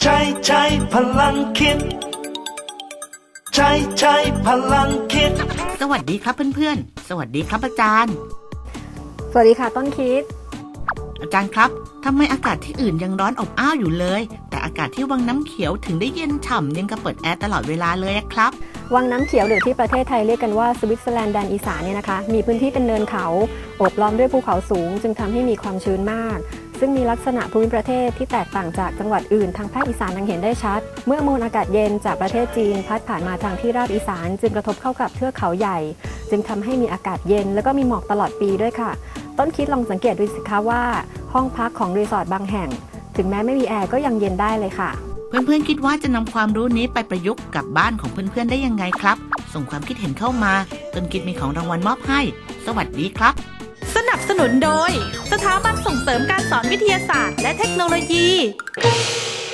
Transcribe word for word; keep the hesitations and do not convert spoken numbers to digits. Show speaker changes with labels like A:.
A: ใช้ใช้พลังคิดใช้ใช้พลังคิด
B: สวัสดีครับเพื่อนๆสวัสดีครับอาจารย์
C: สวัสดีค่ะต้นคิด
B: อาจารย์ครับทำไมอากาศที่อื่นยังร้อนอบอ้าวอยู่เลยแต่อากาศที่วังน้ำเขียวถึงได้เย็นฉ่ำยังกับเปิดแอร์ตลอดเวลาเลยครับ
C: วังน้ำเขียวหรือที่ประเทศไทยเรียกกันว่าสวิตเซอร์แลนด์แดนอีสานเนี่ยนะคะมีพื้นที่เป็นเนินเขาโอบล้อมด้วยภูเขาสูงจึงทำให้มีความชื้นมากซึ่งมีลักษณะภูมิประเทศที่แตกต่างจากจังหวัดอื่นทางภาคอีสานดังเห็นได้ชัดเมื่อมวลอากาศเย็นจากประเทศจีนพัดผ่านมาทางที่ราบอีสานจึงกระทบเข้ากับเทือกเขาใหญ่จึงทำให้มีอากาศเย็นแล้วก็มีหมอกตลอดปีด้วยค่ะต้นคิดลองสังเกตดูสิคะว่าห้องพักของรีสอร์ทบางแห่งถึงแม้ไม่มีแอร์ก็ยังเย็นได้เลยค่ะ
B: เพื่อนๆคิดว่าจะนำความรู้นี้ไปประยุกต์กับบ้านของเพื่อนๆได้ยังไงครับส่งความคิดเห็นเข้ามาต้นคิดมีของรางวัลมอบให้สวัสดีครับ
D: สนับสนุนโดยสถาบันส่งเสริมการสอนวิทยาศาสตร์และเทคโนโลยี